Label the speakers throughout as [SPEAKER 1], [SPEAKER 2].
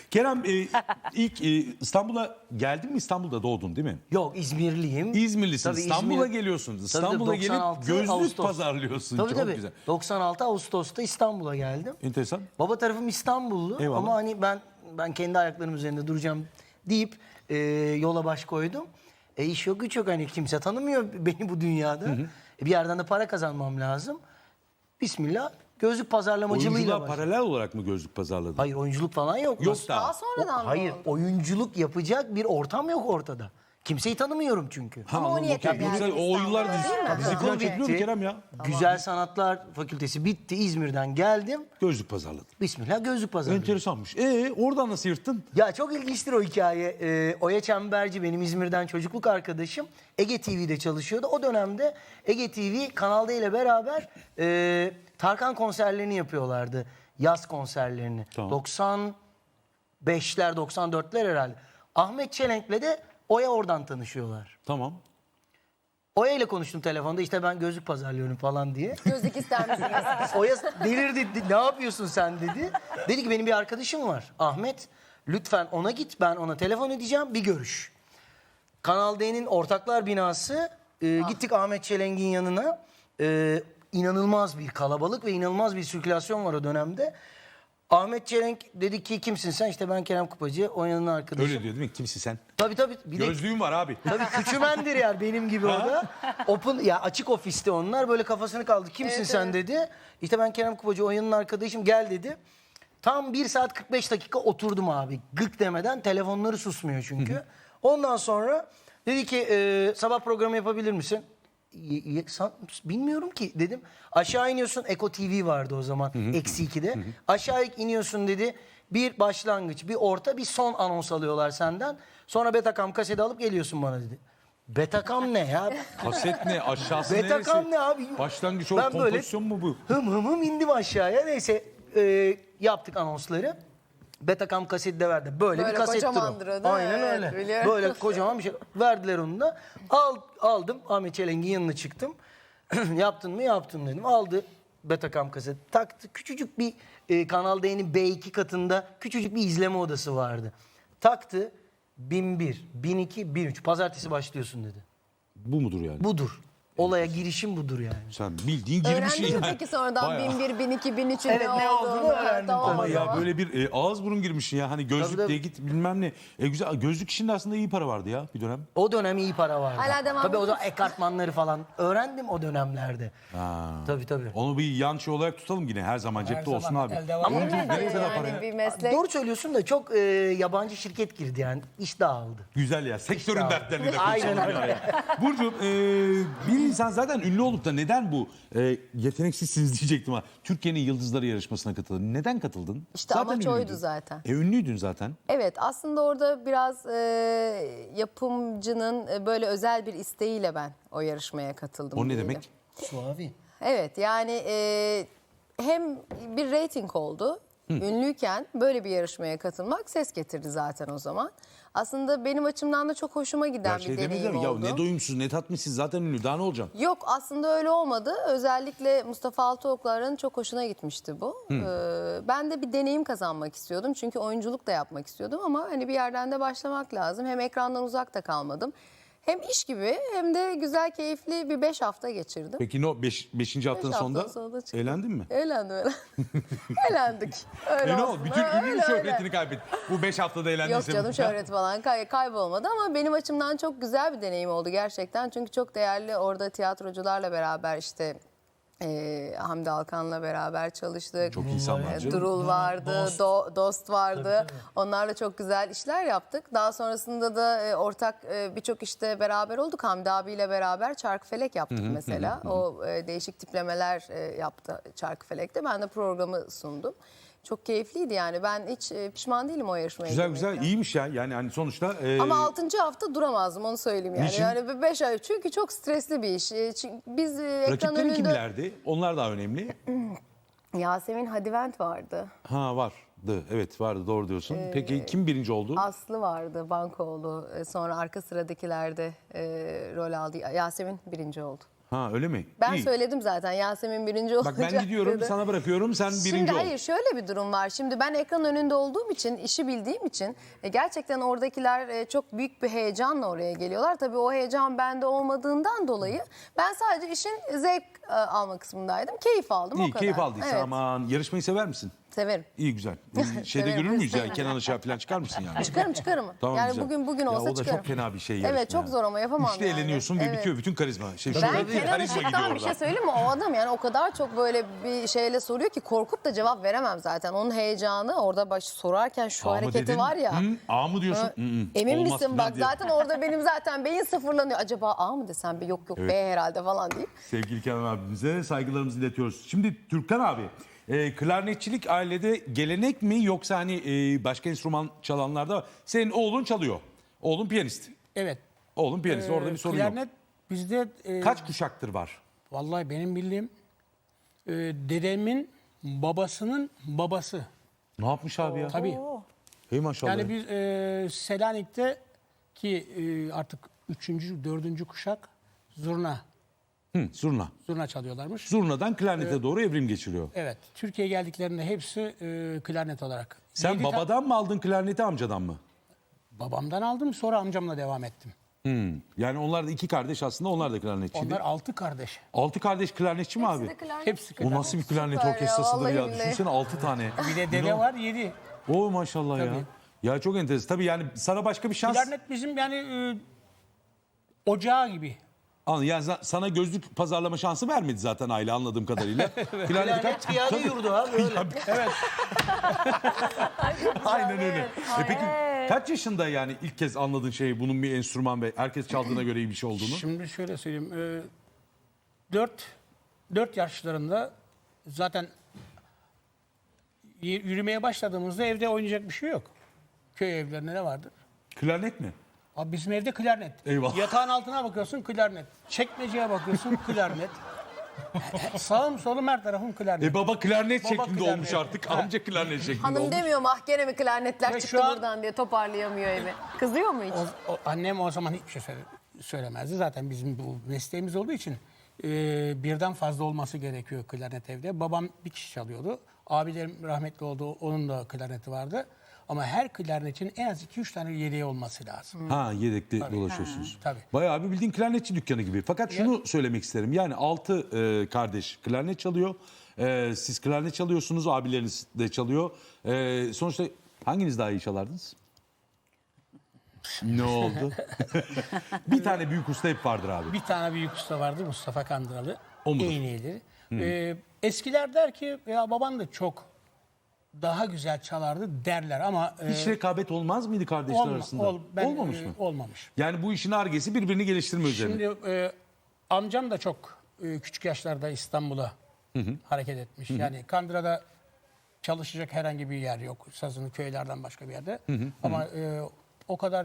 [SPEAKER 1] Kerem ilk İstanbul'a geldin mi? İstanbul'da doğdun değil mi?
[SPEAKER 2] Yok, İzmirliyim.
[SPEAKER 1] İzmirlisin.
[SPEAKER 2] Tabii
[SPEAKER 1] İstanbul'a
[SPEAKER 2] İzmir-
[SPEAKER 1] geliyorsun.
[SPEAKER 2] Tabii,
[SPEAKER 1] İstanbul'a gelip
[SPEAKER 2] 96
[SPEAKER 1] gözlük
[SPEAKER 2] Ağustos.
[SPEAKER 1] pazarlıyorsun.
[SPEAKER 2] Tabii
[SPEAKER 1] Çok
[SPEAKER 2] tabii.
[SPEAKER 1] güzel.
[SPEAKER 2] 96 Ağustos'ta İstanbul'a geldim.
[SPEAKER 1] Enteresan.
[SPEAKER 2] Baba tarafım İstanbullu
[SPEAKER 1] Eyvallah.
[SPEAKER 2] ama hani ben kendi ayaklarım üzerinde duracağım deyip yola baş koydum. İş yok güç yok, hani kimse tanımıyor beni bu dünyada. Bir yerden de para kazanmam lazım. Bismillah, gözlük pazarlamacılığıyla
[SPEAKER 1] Oyunculuğa
[SPEAKER 2] başladım.
[SPEAKER 1] paralel olarak mı gözlük pazarladın?
[SPEAKER 2] Hayır, oyunculuk falan yok.
[SPEAKER 1] Yok
[SPEAKER 2] Nasıl?
[SPEAKER 1] daha.
[SPEAKER 3] Daha sonradan mı
[SPEAKER 2] Hayır,
[SPEAKER 3] oldu?
[SPEAKER 2] oyunculuk yapacak bir ortam yok ortada. Kimseyi tanımıyorum çünkü.
[SPEAKER 1] Ha,
[SPEAKER 3] Ama o
[SPEAKER 1] anladım.
[SPEAKER 3] niyetle
[SPEAKER 1] Okey. Yoksa
[SPEAKER 3] geldin
[SPEAKER 1] o oyunlar
[SPEAKER 3] İstanbul'a,
[SPEAKER 1] dizi
[SPEAKER 3] değil mi?
[SPEAKER 1] falan
[SPEAKER 2] Okul
[SPEAKER 1] çekiliyor mu
[SPEAKER 2] bitti.
[SPEAKER 1] Kerem ya?
[SPEAKER 2] Güzel Sanatlar Fakültesi bitti. İzmir'den geldim.
[SPEAKER 1] Gözlük pazarladın.
[SPEAKER 2] Bismillah, gözlük pazarladım.
[SPEAKER 1] Enteresanmış. Oradan nasıl yırttın?
[SPEAKER 2] Ya çok ilginçtir o hikaye. Oya Çemberci benim İzmir'den çocukluk arkadaşım. Ege TV'de çalışıyordu. O dönemde Ege TV Kanal D ile beraber Tarkan konserlerini yapıyorlardı. Yaz konserlerini.
[SPEAKER 1] Tamam.
[SPEAKER 2] 95'ler 94'ler herhalde. Ahmet Çelenk'le de Oya oradan tanışıyorlar.
[SPEAKER 1] Tamam.
[SPEAKER 2] Oya ile konuştum telefonda, işte ben gözlük pazarlıyorum falan diye.
[SPEAKER 3] Gözlük ister misiniz?
[SPEAKER 2] Oya delirdi. Ne yapıyorsun sen dedi. Dedi ki benim bir arkadaşım var Ahmet. Lütfen ona git, ben ona telefon edeceğim, bir görüş. Kanal D'nin ortaklar binası. Gittik Ahmet Çelenk'in yanına. İnanılmaz bir kalabalık ve inanılmaz bir sirkülasyon var o dönemde. Ahmet Çelenk dedi ki kimsin sen? İşte ben Kerem Kupacı, Oya'nın arkadaşım.
[SPEAKER 1] Öyle diyor değil mi? Kimsin sen?
[SPEAKER 2] Tabii. Bir de
[SPEAKER 1] Gözlüğüm var abi.
[SPEAKER 2] tabii küçümendir yani benim gibi o da. Open ya, açık ofiste onlar, böyle kafasını kaldı. Kimsin
[SPEAKER 3] Evet,
[SPEAKER 2] sen
[SPEAKER 3] evet.
[SPEAKER 2] dedi. İşte ben Kerem Kupacı, Oya'nın arkadaşım, gel dedi. Tam 1 saat 45 dakika oturdum abi. Gık demeden, telefonları susmuyor çünkü. Ondan sonra dedi ki sabah programı yapabilir misin? Bilmiyorum ki dedim. Aşağı iniyorsun, Eko TV vardı o zaman eksi 2'de. Aşağı iniyorsun dedi. Bir başlangıç, bir orta, bir son anons alıyorlar senden. Sonra Betacam kaseti alıp geliyorsun bana dedi. Betacam ne ya?
[SPEAKER 1] Kaset ne? Aşağısı
[SPEAKER 2] Betacam
[SPEAKER 1] neresi?
[SPEAKER 2] ne abi?
[SPEAKER 1] Başlangıç o
[SPEAKER 2] Ben böyle
[SPEAKER 1] kompozisyon mu bu?
[SPEAKER 2] hım indim aşağıya. Neyse yaptık anonsları. Betacam kaseti de verdi. Böyle bir
[SPEAKER 3] Böyle
[SPEAKER 2] kasettir
[SPEAKER 3] kocamandır o,
[SPEAKER 2] o.
[SPEAKER 3] değil mi?
[SPEAKER 2] Aynen
[SPEAKER 3] Evet,
[SPEAKER 2] öyle.
[SPEAKER 3] biliyorum.
[SPEAKER 2] Böyle kocaman bir şey. Verdiler onu da. Aldım. Ahmet Çelenk'in yanına çıktım. Yaptın mı? Yaptım dedim. Aldı Betacam kaseti. Taktı. Küçücük bir Kanal D'nin B2 katında küçücük bir izleme odası vardı. Taktı. 1001, 1002, 1003. Pazartesi başlıyorsun dedi.
[SPEAKER 1] Bu mudur yani?
[SPEAKER 2] Budur. Olaya girişim budur yani.
[SPEAKER 1] Sen bildiğin girmişsin
[SPEAKER 3] Öğrendin mi
[SPEAKER 1] yani.
[SPEAKER 3] peki sonradan
[SPEAKER 1] Bayağı.
[SPEAKER 3] 1001, 1002, 1003'ün
[SPEAKER 2] Evet, ne olduğunu öğrendim.
[SPEAKER 3] Tamam,
[SPEAKER 1] Ama
[SPEAKER 3] o
[SPEAKER 1] ya
[SPEAKER 3] zaman.
[SPEAKER 1] böyle bir ağız burun girmişsin ya. Hani gözlük
[SPEAKER 2] Tabii,
[SPEAKER 1] diye git bilmem ne. Güzel. Gözlük işinde aslında iyi para vardı ya bir dönem.
[SPEAKER 2] O dönem iyi para vardı.
[SPEAKER 3] Hala devam
[SPEAKER 2] Tabii o
[SPEAKER 3] ediyor
[SPEAKER 2] zaman ekartmanları falan öğrendim o dönemlerde.
[SPEAKER 1] Ha.
[SPEAKER 2] Tabii.
[SPEAKER 1] Onu bir yan şey olarak tutalım yine. Her zaman cepte olsun
[SPEAKER 2] zaman
[SPEAKER 1] abi.
[SPEAKER 2] elde var.
[SPEAKER 1] Ama
[SPEAKER 3] Değil mi?
[SPEAKER 1] nereye kadar para ya?
[SPEAKER 3] Yani bir meslek.
[SPEAKER 2] Doğru söylüyorsun da çok yabancı şirket girdi yani. İş dağıldı.
[SPEAKER 1] Güzel ya. Sektörün
[SPEAKER 2] İşte
[SPEAKER 1] dertlerini de
[SPEAKER 2] Aynen
[SPEAKER 1] konuşalım
[SPEAKER 2] öyle.
[SPEAKER 1] ya. Burcu'm bir insan zaten ünlü olup da neden bu yeteneksizsiniz diyecektim ama Türkiye'nin Yıldızları yarışmasına katıldın. Neden katıldın?
[SPEAKER 3] İşte amaç oydu
[SPEAKER 1] ünlüydün.
[SPEAKER 3] zaten.
[SPEAKER 1] Ünlüydün zaten.
[SPEAKER 3] Evet, aslında orada biraz yapımcının böyle özel bir isteğiyle ben o yarışmaya katıldım.
[SPEAKER 1] O ne
[SPEAKER 3] diyelim.
[SPEAKER 1] demek?
[SPEAKER 2] Suavi.
[SPEAKER 3] Evet, yani hem bir reyting oldu. Ünlüyken böyle bir yarışmaya katılmak ses getirdi zaten o zaman. Aslında benim açımdan da çok hoşuma giden
[SPEAKER 1] Ya
[SPEAKER 3] bir
[SPEAKER 1] şey
[SPEAKER 3] deneyim
[SPEAKER 1] demediler mi?
[SPEAKER 3] oldu.
[SPEAKER 1] Ya ne doyumsuz ne tatmışsız zaten ünlü daha ne olacağım?
[SPEAKER 3] Yok, aslında öyle olmadı. Özellikle Mustafa Altıoklar'ın çok hoşuna gitmişti bu. Ben de bir deneyim kazanmak istiyordum. Çünkü oyunculuk da yapmak istiyordum ama hani bir yerden de başlamak lazım. Hem ekrandan uzakta kalmadım. Hem iş gibi hem de güzel, keyifli bir 5 hafta geçirdim.
[SPEAKER 1] Peki ne o 5. haftanın
[SPEAKER 3] haftanın
[SPEAKER 1] sonunda
[SPEAKER 3] sonunda çıktım.
[SPEAKER 1] eğlendin mi?
[SPEAKER 3] Eğlendim. Eğlendik. Öyle
[SPEAKER 1] Ne
[SPEAKER 3] olsun.
[SPEAKER 1] oldu? Bütün ünlü
[SPEAKER 3] Öyle,
[SPEAKER 1] şöhretini
[SPEAKER 3] öyle.
[SPEAKER 1] kaybettin. Bu 5 haftada eğlendiyse.
[SPEAKER 3] Yok canım, şöhret falan kaybolmadı ama benim açımdan çok güzel bir deneyim oldu gerçekten. Çünkü çok değerli orada tiyatrocularla beraber işte Hamdi Alkan'la beraber çalıştık.
[SPEAKER 1] Çok insan var canım.
[SPEAKER 3] Durul vardı, Dost vardı. Onlarla çok güzel işler yaptık. Daha sonrasında da ortak birçok işte beraber olduk. Hamdi abiyle beraber Çarkıfelek yaptık mesela. O değişik tiplemeler yaptı Çarkıfelek'te. Ben de programı sundum. Çok keyifliydi yani. Ben hiç pişman değilim o yarışmaya
[SPEAKER 1] Güzel
[SPEAKER 3] girmekten.
[SPEAKER 1] iyiymiş ya. Yani hani sonuçta
[SPEAKER 3] Ama 6. hafta duramazdım, onu söyleyeyim yani.
[SPEAKER 1] Niçin?
[SPEAKER 3] Yani 5 ay, çünkü çok stresli bir iş. Biz ekran
[SPEAKER 1] rakiplerin
[SPEAKER 3] önünde...
[SPEAKER 1] kimlerdi? Onlar daha önemli.
[SPEAKER 3] Yasemin Hadivent vardı.
[SPEAKER 1] Ha vardı. Evet vardı doğru diyorsun. Peki kim birinci oldu?
[SPEAKER 3] Aslı vardı, Bankoğlu. Sonra arka sıradakilerde rol aldı. Yasemin birinci oldu.
[SPEAKER 1] Ha öyle mi?
[SPEAKER 3] Ben
[SPEAKER 1] İyi.
[SPEAKER 3] söyledim zaten Yasemin birinci olacak
[SPEAKER 1] Bak ben gidiyorum
[SPEAKER 3] dedi.
[SPEAKER 1] sana bırakıyorum sen
[SPEAKER 3] Şimdi
[SPEAKER 1] birinci ol.
[SPEAKER 3] hayır şöyle bir durum var. Şimdi ben ekran önünde olduğum için, işi bildiğim için gerçekten oradakiler çok büyük bir heyecanla oraya geliyorlar. Tabii o heyecan bende olmadığından dolayı ben sadece işin zevk alma kısmındaydım. Keyif aldım o
[SPEAKER 1] İyi
[SPEAKER 3] kadar.
[SPEAKER 1] keyif aldıysan
[SPEAKER 3] Evet,
[SPEAKER 1] aman yarışmayı sever misin?
[SPEAKER 3] severim.
[SPEAKER 1] İyi güzel. Şeyde
[SPEAKER 3] Severim.
[SPEAKER 1] görür müyüz ya Kenan Işık'a falan çıkar mısın yani?
[SPEAKER 3] Çıkarım.
[SPEAKER 1] Tamam,
[SPEAKER 3] yani
[SPEAKER 1] güzel.
[SPEAKER 3] bugün
[SPEAKER 1] Ya
[SPEAKER 3] olsa
[SPEAKER 1] o da
[SPEAKER 3] çıkarım.
[SPEAKER 1] çok fena bir şey
[SPEAKER 3] Evet
[SPEAKER 1] yarışma
[SPEAKER 3] çok
[SPEAKER 1] ya.
[SPEAKER 3] zor ama yapamam
[SPEAKER 1] Üçte
[SPEAKER 3] yani.
[SPEAKER 1] eleniyorsun ve
[SPEAKER 3] Evet.
[SPEAKER 1] bitiyor bütün karizma.
[SPEAKER 3] Ben Kenan
[SPEAKER 1] karizma gidiyor
[SPEAKER 3] Işık'tan bir şey
[SPEAKER 1] orada.
[SPEAKER 3] söyleyeyim mi? O adam yani o kadar çok böyle bir şeyle soruyor ki korkup da cevap veremem zaten. Onun heyecanı orada sorarken şu
[SPEAKER 1] A mı
[SPEAKER 3] hareketi
[SPEAKER 1] dedin?
[SPEAKER 3] var ya.
[SPEAKER 1] A mı diyorsun?
[SPEAKER 3] Emin
[SPEAKER 1] Olmaz
[SPEAKER 3] misin
[SPEAKER 1] falan
[SPEAKER 3] bak
[SPEAKER 1] diye.
[SPEAKER 3] zaten orada benim zaten beyin sıfırlanıyor. Acaba A mı desem yok
[SPEAKER 1] Evet.
[SPEAKER 3] B herhalde falan deyip.
[SPEAKER 1] Sevgili Kenan abimize saygılarımızı iletiyoruz. Şimdi Türkan abi, klarnetçilik ailede gelenek mi yoksa hani başka enstrüman çalanlarda var? Senin oğlun çalıyor. Oğlun piyanist.
[SPEAKER 4] Evet.
[SPEAKER 1] Oğlun piyanist. Orada bir sorun yok.
[SPEAKER 4] Klarnet bizde
[SPEAKER 1] Kaç kuşaktır var?
[SPEAKER 4] vallahi benim bildiğim dedemin babasının babası.
[SPEAKER 1] Ne yapmış abi ya?
[SPEAKER 4] Tabii.
[SPEAKER 1] Hey maşallah.
[SPEAKER 4] Yani biz Selanik'te ki artık 3. 4. kuşak zurna
[SPEAKER 1] Zurna.
[SPEAKER 4] çalıyorlarmış.
[SPEAKER 1] Zurna'dan klarnete doğru evrim geçiriyor.
[SPEAKER 4] Evet. Türkiye'ye geldiklerinde hepsi klarnet olarak.
[SPEAKER 1] Sen
[SPEAKER 4] 7
[SPEAKER 1] babadan mı aldın klarneti amcadan mı?
[SPEAKER 4] babamdan aldım, sonra amcamla devam ettim.
[SPEAKER 1] Yani onlar da iki kardeş aslında, onlar da klarnetçiydi.
[SPEAKER 4] Onlar 6 kardeş.
[SPEAKER 1] 6 kardeş klarnetçi mi abi?
[SPEAKER 4] Hepsi
[SPEAKER 1] O
[SPEAKER 4] klarnet.
[SPEAKER 1] nasıl bir klarnet
[SPEAKER 3] Süper ya,
[SPEAKER 1] orkestrasıdır
[SPEAKER 3] vallahi
[SPEAKER 1] ya?
[SPEAKER 3] billahi.
[SPEAKER 1] Düşünsene 6 tane.
[SPEAKER 4] Bir de dede var 7.
[SPEAKER 1] O maşallah ya.
[SPEAKER 4] Tabii.
[SPEAKER 1] Ya çok enteresan. Tabii yani sana başka bir şans...
[SPEAKER 4] Klarnet bizim yani ocağı gibi.
[SPEAKER 1] Yani sana gözlük pazarlama şansı vermedi zaten aile anladığım kadarıyla. Klarnet
[SPEAKER 2] Klarnet piyade yurdu abi öyle.
[SPEAKER 1] Aynen öyle. Peki kaç yaşında yani ilk kez anladın şeyi, bunun bir enstrüman ve herkes çaldığına göre iyi bir şey olduğunu?
[SPEAKER 4] Şimdi şöyle söyleyeyim. 4 yaşlarında zaten yürümeye başladığımızda evde oynayacak bir şey yok. Köy evlerinde ne vardır?
[SPEAKER 1] Klarnet mi?
[SPEAKER 4] Abi bizim evde klarnet.
[SPEAKER 1] Eyvallah.
[SPEAKER 4] Yatağın altına bakıyorsun klarnet. Çekmeceye bakıyorsun klarnet. Sağım solum her tarafım klarnet.
[SPEAKER 1] Baba klarnet
[SPEAKER 4] Baba
[SPEAKER 1] şeklinde
[SPEAKER 4] klarnet.
[SPEAKER 1] olmuş artık. Amca klarnet şeklinde
[SPEAKER 3] Hanım
[SPEAKER 1] olmuş.
[SPEAKER 3] demiyor mu gene mi klarnetler
[SPEAKER 4] Ve
[SPEAKER 3] çıktı
[SPEAKER 4] şu an-
[SPEAKER 3] buradan diye toparlayamıyor evi. Kızıyor mu hiç?
[SPEAKER 4] Annem o zaman hiçbir şey söylemezdi. Zaten bizim bu mesleğimiz olduğu için birden fazla olması gerekiyor klarnet evde. Babam bir kişi çalıyordu. Abilerim rahmetli oldu. Onun da klarneti vardı. Ama her klarnetin en az 2-3 tane yedeği olması lazım.
[SPEAKER 1] Ha yedekli dolaşıyorsunuz.
[SPEAKER 4] Tabii.
[SPEAKER 1] Bayağı bir bildiğin klarnetçi dükkanı gibi. Fakat şunu söylemek isterim. Yani 6 kardeş klarnet çalıyor. Siz klarnet çalıyorsunuz, abileriniz de çalıyor. Sonuçta hanginiz daha iyi çalardınız? Ne oldu? Bir tane büyük usta hep vardır abi.
[SPEAKER 4] Bir tane büyük usta vardı, Mustafa Kandıralı.
[SPEAKER 1] O mudur?
[SPEAKER 4] İğneydi. Eskiler der ki ya baban da çok daha güzel çalardı derler ama
[SPEAKER 1] Hiç rekabet olmaz mıydı kardeşler arasında? Olmamış mı?
[SPEAKER 4] Olmamış.
[SPEAKER 1] Yani bu işin argesi birbirini geliştirme üzerine.
[SPEAKER 4] Şimdi amcam da çok küçük yaşlarda İstanbul'a hareket etmiş. Yani Kandıra'da çalışacak herhangi bir yer yok. Sazını köylerden başka bir yerde. Ama o kadar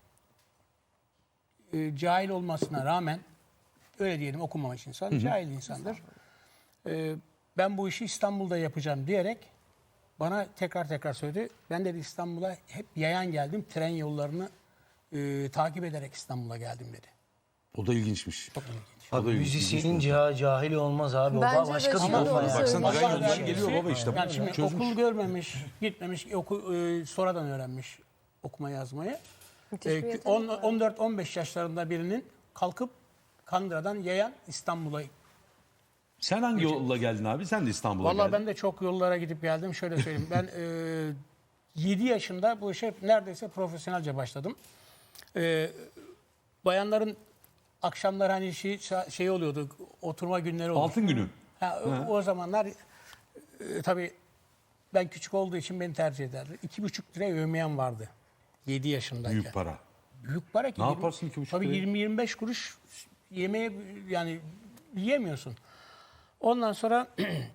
[SPEAKER 4] cahil olmasına rağmen öyle diyelim, okumamış insan, cahil insandır. Ben bu işi İstanbul'da yapacağım diyerek bana tekrar söyledi. Ben dedi İstanbul'a hep yayan geldim. Tren yollarını takip ederek İstanbul'a geldim dedi.
[SPEAKER 1] O da ilginçmiş.
[SPEAKER 4] Çok ilginç.
[SPEAKER 2] Abi müzisyenin cahil olmaz abi. O
[SPEAKER 3] Bence de
[SPEAKER 2] başka bir
[SPEAKER 3] şimdi
[SPEAKER 2] kafa
[SPEAKER 3] onu
[SPEAKER 2] ya.
[SPEAKER 3] söyleyeyim.
[SPEAKER 1] Baksana tren
[SPEAKER 4] Allah
[SPEAKER 1] yoldan
[SPEAKER 4] vergisi-
[SPEAKER 1] geliyor baba işte.
[SPEAKER 4] Yani şimdi
[SPEAKER 1] Çözmüş.
[SPEAKER 4] okul görmemiş, gitmemiş, sonradan öğrenmiş okuma yazmayı.
[SPEAKER 3] Müthiş bir yetenek var.
[SPEAKER 4] 14-15 yaşlarında birinin kalkıp Kandıra'dan yayan İstanbul'a.
[SPEAKER 1] Sen hangi yolla geldin abi? Sen de İstanbul'a
[SPEAKER 4] Vallahi
[SPEAKER 1] geldin.
[SPEAKER 4] ben de çok yollara gidip geldim. Şöyle söyleyeyim. Ben 7 yaşında bu işe neredeyse profesyonelce başladım. Bayanların akşamlar hani şey oluyordu, oturma günleri olurdu.
[SPEAKER 1] Altın günü.
[SPEAKER 4] O zamanlar tabii ben küçük olduğu için beni tercih ederdi. 2,5 lira övmeyen vardı 7 yaşındayken.
[SPEAKER 1] Büyük para.
[SPEAKER 4] Büyük para ki.
[SPEAKER 1] Ne yaparsın 2,5
[SPEAKER 4] Tabii
[SPEAKER 1] liraya?
[SPEAKER 4] 20-25 kuruş yemeğe yani yiyemiyorsun. Ondan sonra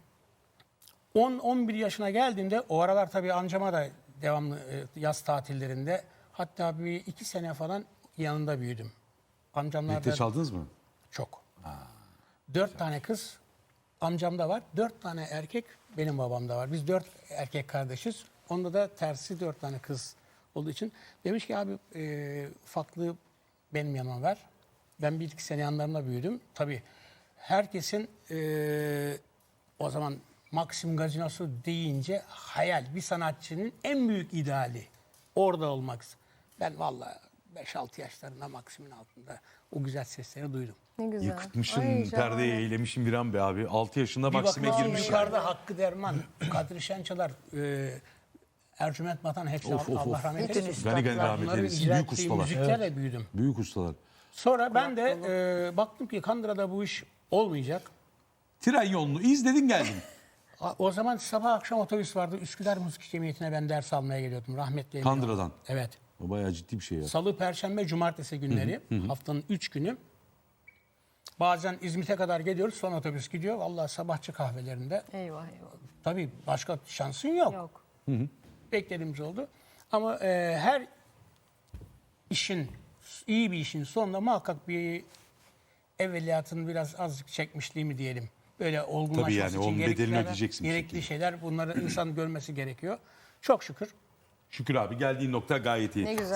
[SPEAKER 4] 10-11 yaşına geldiğimde o aralar tabii amcama da devamlı yaz tatillerinde hatta bir 2 sene falan yanında büyüdüm. Amcamlar
[SPEAKER 1] Birlikte
[SPEAKER 4] da
[SPEAKER 1] çaldınız mı?
[SPEAKER 4] çok. 4 tane kız amcamda var. 4 tane erkek benim babamda var. Biz 4 erkek kardeşiz. Onda da tersi 4 tane kız olduğu için. Demiş ki abi ufaklığı benim yanıma ver. Ben 1-2 sene yanlarında büyüdüm. Tabii herkesin o zaman Maxim Gazinosu deyince hayal. Bir sanatçının en büyük ideali orada olmak. Ben vallahi 5-6 yaşlarında Maxim'in altında o güzel sesleri duydum.
[SPEAKER 3] Ne güzel.
[SPEAKER 1] Yıkıtmışsın,
[SPEAKER 3] Ay,
[SPEAKER 1] perdeyi
[SPEAKER 3] şahane.
[SPEAKER 1] eylemişsin bir an be abi. 6 yaşında
[SPEAKER 4] Bir
[SPEAKER 1] Maksim'e
[SPEAKER 4] bakıyorsun
[SPEAKER 1] girmiş.
[SPEAKER 4] yukarıda Hakkı Derman, Kadri Şençalar, Ercüment Batan hepsi
[SPEAKER 1] Of, of,
[SPEAKER 4] Allah
[SPEAKER 1] of.
[SPEAKER 4] rahmet
[SPEAKER 2] Bütün
[SPEAKER 4] eylesin.
[SPEAKER 1] Gani gani
[SPEAKER 2] üstadlar.
[SPEAKER 1] rahmet
[SPEAKER 4] Bunların
[SPEAKER 1] eylesin.
[SPEAKER 4] icra
[SPEAKER 1] Büyük
[SPEAKER 4] ettiği
[SPEAKER 1] ustalar.
[SPEAKER 4] müziklerle büyüdüm.
[SPEAKER 1] Büyük ustalar.
[SPEAKER 4] Sonra ben de baktım ki Kandıra'da bu iş olmayacak.
[SPEAKER 1] Tren yolunu izledin geldin.
[SPEAKER 4] O zaman sabah akşam otobüs vardı. Üsküdar Müzik Cemiyeti'ne ben ders almaya geliyordum. Rahmetli Emin
[SPEAKER 1] Kandıra'dan.
[SPEAKER 4] oldu. Evet.
[SPEAKER 1] O bayağı ciddi bir şey ya.
[SPEAKER 4] Salı, Perşembe, Cumartesi günleri haftanın 3 günü. Bazen İzmit'e kadar geliyoruz. Son otobüs gidiyor. Vallahi sabahçı kahvelerinde.
[SPEAKER 3] Eyvah eyvah.
[SPEAKER 4] Tabii başka şansın yok.
[SPEAKER 3] Yok.
[SPEAKER 4] Beklediğimiz oldu. Ama her işin, iyi bir işin sonunda muhakkak bir evveliyatın biraz azıcık çekmişliği mi diyelim. Böyle olgunlaşması
[SPEAKER 1] Tabii yani,
[SPEAKER 4] için
[SPEAKER 1] onun
[SPEAKER 4] gerekli
[SPEAKER 1] bedelini
[SPEAKER 4] şeyler-
[SPEAKER 1] ödeyeceksin bir
[SPEAKER 4] gerekli
[SPEAKER 1] şekilde.
[SPEAKER 4] şeyler bunları insan görmesi gerekiyor. Çok şükür
[SPEAKER 1] Şükür abi geldiğin nokta gayet iyi.
[SPEAKER 3] Ne güzel.